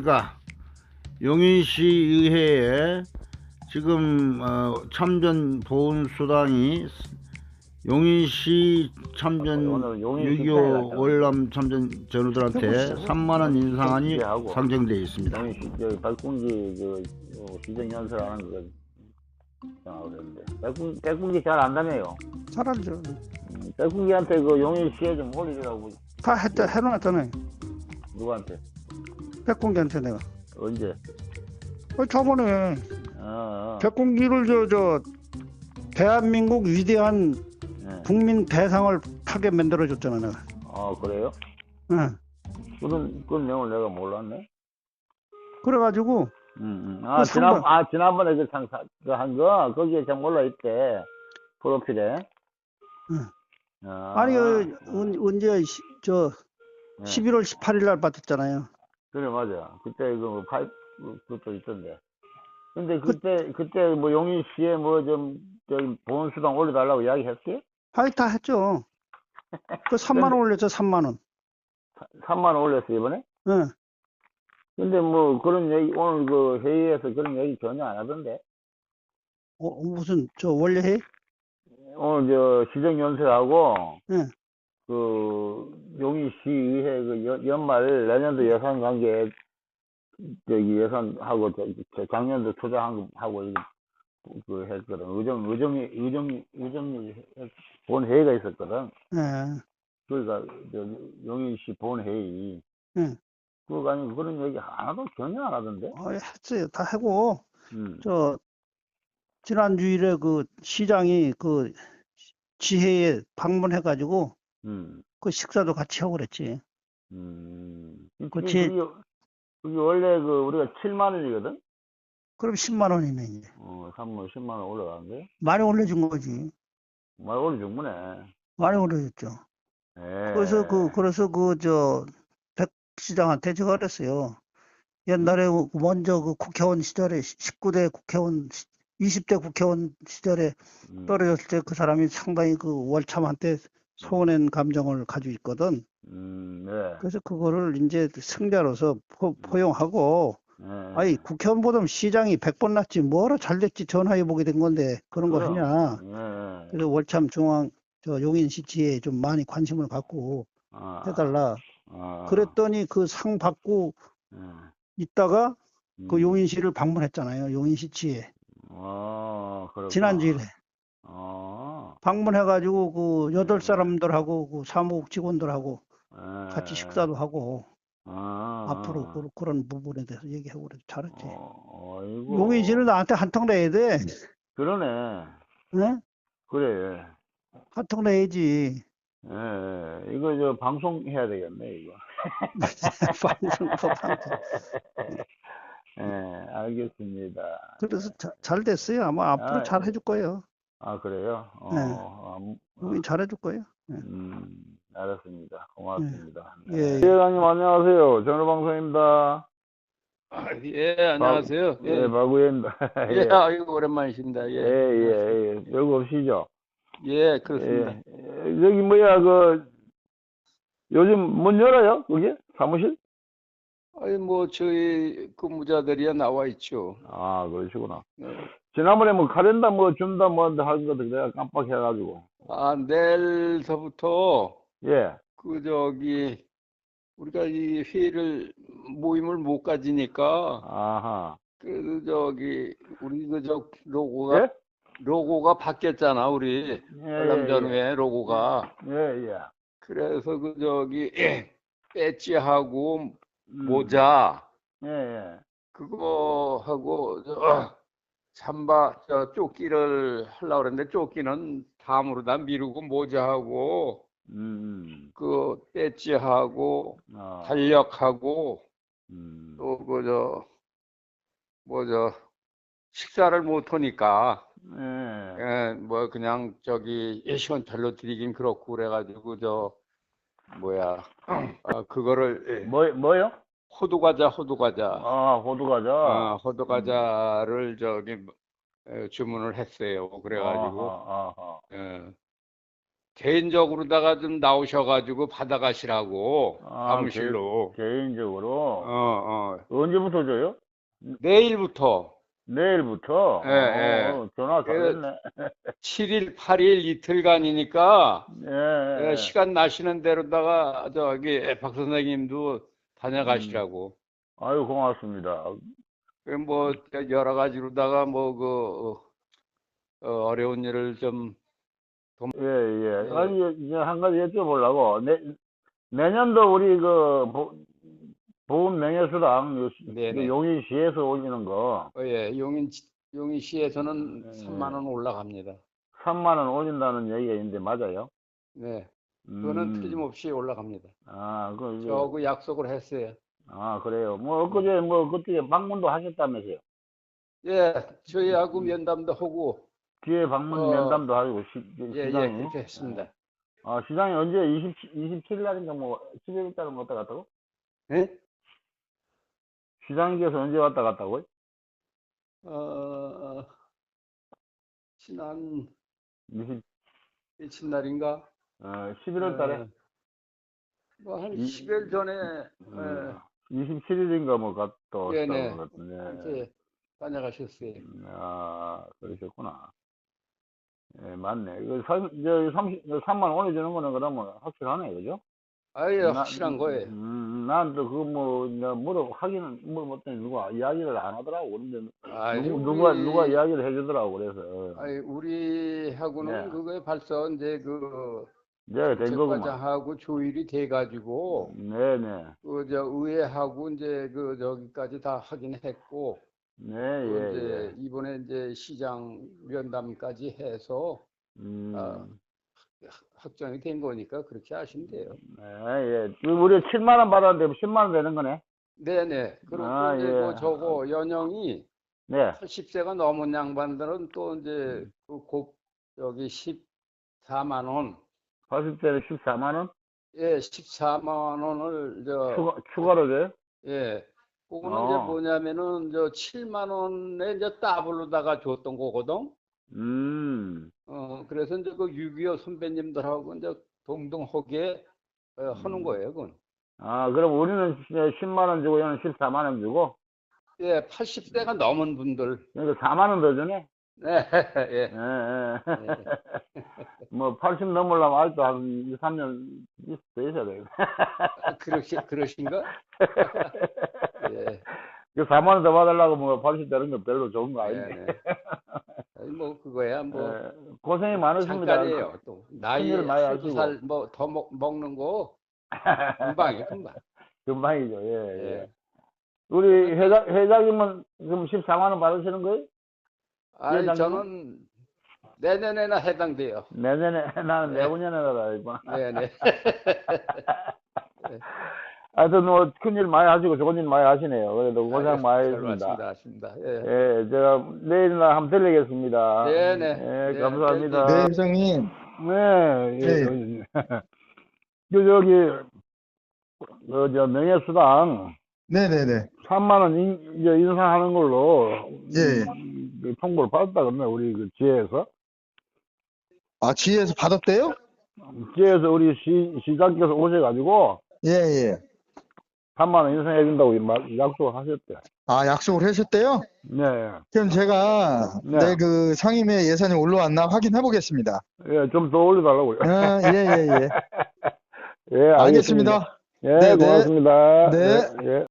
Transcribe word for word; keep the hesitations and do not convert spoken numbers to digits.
안녕하십니까. 용인시 의회에 지금 어, 참전 보훈수당이 용인시 참전 육이오 월남 참전 전우들한테 삼만원 인상안이 상정되어 있습니다. 용인시 저 백분기 그 어, 시정연설하는 거 그랬는데 백분 백분기 잘 안다며요. 잘 알죠. 음, 백분기한테 그 용인시에 좀 올리라고. 다 했다, 해놓았잖아요. 누구한테? 백공기한테 내가. 언제? 어, 저번에 어, 어. 백공기를 저, 저, 대한민국 위대한 네. 국민 대상을 타게 만들어줬잖아, 내가. 아 그래요? 응. 그런 그런 내용을 내가 몰랐네. 그래가지고, 음, 음. 아 그 지난 상관- 아 지난번에 그 상 그한 거 거기에 좀 올라 있대 프로필에. 응. 아, 아니, 그, 언- 언제, 시- 저, 네. 십일월 십팔일 날 받았잖아요. 그래 맞아. 그때 그 파이프 그것도 있던데. 근데 그- 그때 그때 뭐 용인시에 뭐 좀 저기 보훈수당 올려달라고 이야기했지? 아니, 다 했죠. 그 삼만 원 올렸죠, 삼만 원. 삼만 원 올렸어 이번에? 응. 근데 뭐 그런 얘기 오늘 그 회의에서 그런 얘기 전혀 안 하던데. 어, 무슨, 저, 원래 해? 오늘 저 시정연설하고 응. 그 용인시의회 그 연, 연말 내년도 예산 관계 저기 예산하고 저, 저 작년도 투자한 거하고 이거 그 했거든. 의정 의정이 의정이 의정이 본 회의가 있었거든. 예. 그러니까 저 용인시 본 회의. 응. 그거 아니고 그런 얘기 하나도 전혀 안 하던데. 어, 했어요. 다 하고, 음. 저, 지난 주일에 그 시장이 그 지회에 방문해가지고 음. 그 식사도 같이 하고 그랬지. 음. 그치. 그게, 그게 원래 그 우리가 칠만 원이거든. 그럼 십만 원이네, 이제. 어, 삼만 십만 원 올라가는데. 많이 올려준 거지. 많이 올려준 거네. 많이 올려줬죠. 예. 그래서 그, 그래서 그, 저, 백 시장한테 제가 그랬어요. 옛날에 그 먼저 그 국회의원 시절에 십구 대 국회의원, 이십 대 국회의원 시절에 음. 떨어졌을 때 그 사람이 상당히 그 월참한테 서운한 감정을 가지고 있거든. 음, 네. 그래서 그거를 이제 승자로서 포, 포용하고, 네. 아니, 국회의원보다 시장이 백 번 낫지, 뭐라 잘 됐지, 전화해보게 된 건데, 그런 거 그럼. 하냐. 네. 그래서 월참 중앙, 저 용인시 지에 좀 많이 관심을 갖고 아, 해달라. 아, 그랬더니 그 상 받고 네. 있다가 그 음. 용인시를 방문했잖아요. 용인시 지에. 아, 그렇구나. 지난주일에. 아, 방문해가지고 그 여덟 네. 사람들하고 그 사무국 직원들하고 네. 같이 식사도 하고 아, 앞으로 그, 그런 부분에 대해서 얘기하고 그래서 잘했지. 어, 아이고. 용인시는 나한테 한턱 내야 돼. 그러네. 응? 그래. 한턱 내야지. 예, 이거 저 방송해야 되겠네, 이거. 방송, 뭐 방송. 예, 알겠습니다. 그래서 자, 잘 됐어요. 아마 앞으로 아, 잘 해줄 거예요. 아, 그래요? 어, 네. 아, 음, 용인 잘해줄 거예요. 네. 음, 알았습니다. 고맙습니다. 예, 네. 예. 회장님 안녕하세요. 전화방송입니다. 아, 예, 안녕하세요. 박, 예, 예, 박우현입니다. 예, 예, 아이고, 오랜만이십니다. 예, 예, 예, 예. 여기 없시죠? 예, 그렇습니다. 예, 예, 여기 뭐야, 그, 요즘 문 열어요? 그게? 사무실? 아니, 뭐, 저희 근무자들이야 나와 있죠. 아, 그러시구나. 네. 지난번에 뭐 카렌다 뭐 준다 뭐 하는 것도 내가 깜빡해가지고. 아, 내일서부터, 예. 그, 저기, 우리가 이 회의를, 모임을 못 가지니까, 아하. 그, 저기, 우리 그, 저, 로고가, 예? 로고가 바뀌었잖아, 우리. 예, 월남 예, 전후에 로고가. 예, 예. 그래서 그, 저기, 배지하고 음. 모자, 예, 예. 그거 하고 저 삼바 저 조끼를 하려고 그랬는데 조끼는 다음으로 다 미루고 모자하고 음. 그 배지하고 아. 달력하고 음. 또 그 저 뭐 저 식사를 못 하니까 예. 예, 뭐 그냥 저기 예시원찰로 드리긴 그렇고 그래가지고 저 뭐야 아 그거를 예, 뭐, 뭐요? 호두과자 호두과자 아, 호두과자. 아, 음. 호두과자를 저기 에, 주문을 했어요. 그래가지고 아하, 아하. 예, 개인적으로다가 좀 나오셔가지고 받아가시라고 아, 사무실로. 개, 개인적으로. 어, 어. 언제부터 줘요? 내일부터 내일부터? 예, 예. 어, 전화 잘했네. 칠 일, 팔 일 이틀간이니까 예, 예, 예. 시간 나시는 대로다가 저기 박 선생님도 다녀가시라고. 아유, 고맙습니다. 그 뭐 여러 가지로다가 뭐 그 어려운 일을 좀 예, 예. 예. 아니, 이제 한 가지 여쭤보려고. 내, 내년도 우리 그, 보, 보훈 명예수당, 요- 네네. 요 용인시에서 올리는 거, 어, 예, 용인 용인시에서는 네. 삼만 원 올라갑니다. 삼만 원 올린다는 얘기가 있는데, 맞아요? 네, 그거는 음. 틀림없이 올라갑니다. 아, 그, 이제- 저 그 약속을 했어요. 아, 그래요. 뭐, 엊그제, 뭐, 그때 방문도 하셨다면서요? 예, 저희하고 면담도 하고 뒤에 방문 어, 면담도 하고, 시, 예, 예, 시장이. 그렇게 했습니다. 아, 시장이 언제, 이십, 이십칠 일 날인가, 뭐, 십일 일 달은 왔다 갔다고? 예? 시장님께서 언제 왔다 갔다고요? 어, 지난 이십, 이튿날인가? 어, 십일월 달에? 뭐한 이- 십 일 전에 음, 이십칠 일인가 뭐 갔다 왔다고 예, 네. 그러던데. 이렇게 다녀가셨어요. 아, 그러셨구나. 예, 맞네. 이거 삼, 저, 삼십, 삼만 올려주는 거는 그러면 확실하네, 그죠? 아예 나- 확실한 거예요. 음, 난 또 그거 뭐, 내가 물어, 하기는, 물어봤더니 누가 이야기를 안 하더라고. 근데, 아이, 누구, 우리- 누가, 누가 이야기를 해주더라고, 그래서. 아니, 우리하고는 네. 그거에 벌써 이제 그 내가 된 거구만. 정책과장하고 조율이 돼가지고 네네. 그 저 의회하고 이제 그 저기까지 다 하긴 했고 네, 또 예, 이제 예. 이번에 이제 시장 면담까지 해서 음, 아, 확정이 된 거니까 그렇게 하시면 돼요. 네, 예. 그 우리 칠만 원 받았는데 십만 원 되는 거네? 네네. 그리고 아, 이제 예. 그 저거 연령이 네. 팔십 세가 넘은 양반들은 또 이제 그곱 여기 십사만 원, 팔십 대는 십사만 원? 예, 십사만 원을 저 추가, 추가로 줘요? 예, 그거는 어. 이제 뭐냐면은 저 칠만 원에 이제 더블로다가 줬던 거거든. 음, 어, 그래서 이제 그 육이오 선배님들하고 이제 동등하게 어, 하는 거예요, 그건. 아, 그럼 우리는 십만 원 주고 얘는 십사만 원 주고? 예, 팔십 세가 넘은 분들. 그러니까 사만 원 더 주네? 네, 예. 예, 예. 뭐, 팔십 넘으려면 아직도 한 이, 삼 년 더 있어야 돼. 그러시, 그러신가? 예, 그 사만 원 더 받으려고 뭐 팔십 되는 건 별로 좋은 거 예, 아닌데. 네. 아니, 뭐 그거야 뭐 예, 고생이 많으십니다. 잠깐이에요. 또 나이 큰일을 많이 한두 하시고. 살 뭐 더 먹는 거 금방이에요, 금방. 금방이죠, 예, 예. 예. 우리 회장, 회장님은 지금 십사만 원 받으시는 거예요? 아니 회장님은? 저는 내년에나 해당돼요. 내년에, 나는 네. 내후년에다, 이번. 네네. 하여튼 뭐, 큰일 많이 하시고 좋은 일 많이 하시네요. 그래도 고생 아유, 많이 별 했습니다. 말씀도 하십니다. 예. 예, 제가 내일이나 한번 들리겠습니다. 네네. 예, 네, 감사합니다. 네, 회장님. 네, 예, 네. 그, 저기, 그, 저, 명예수당 네네네. 삼만 원 인, 이제 인상하는 걸로, 예. 음, 그 통보를 받았다 그러네, 우리 그 지혜에서. 아, 지혜에서 받았대요? 지혜에서 우리 시, 시장께서 오셔가지고, 예, 예. 삼만 원 인상해준다고 이 말- 약속을 하셨대. 아, 약속을 하셨대요? 네. 그럼 제가 네. 내 그 상임위 예산이 올라왔나 확인해 보겠습니다. 예, 좀 더 올려달라고요. 아, 예, 예, 예. 예, 알겠습니다. 알겠습니다. 예, 네, 네. 고맙습니다. 네. 예, 예.